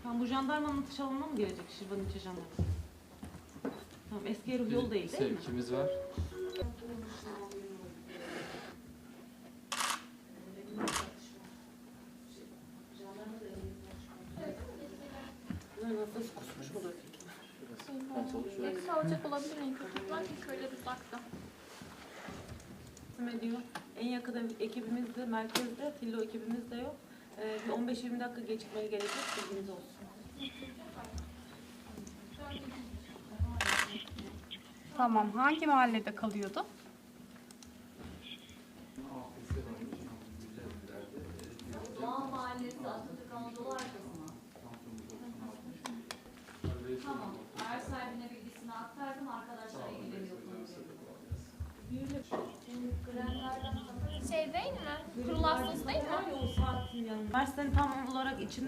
Tamam, bu jandarmanın atış alanına mı gelecek Şirvan ilçe jandarması? Tamam, eski Eruh yolu değil mi? Sevkimiz var. Nasıl kusmuş olur peki? Eksi alacak olabilir en kötü. Belki köyler uzakta. Ediyor. En yakın ekibimiz de merkezde, Tillo ekibimiz de yok. Bir 15-20 dakika gecikmeye gelecek, bilginiz olsun. Tamam. Hangi mahallede kalıyordu? Doğa Mahallesi Atatürk Anadolu arkasına. Tamam. Eğer sahibine bilgisini aktardım, arkadaşlar ilgileniyor konuyla. Şey değil mi? Kurul hastası değil mi? Üniversitenin tam olarak içinde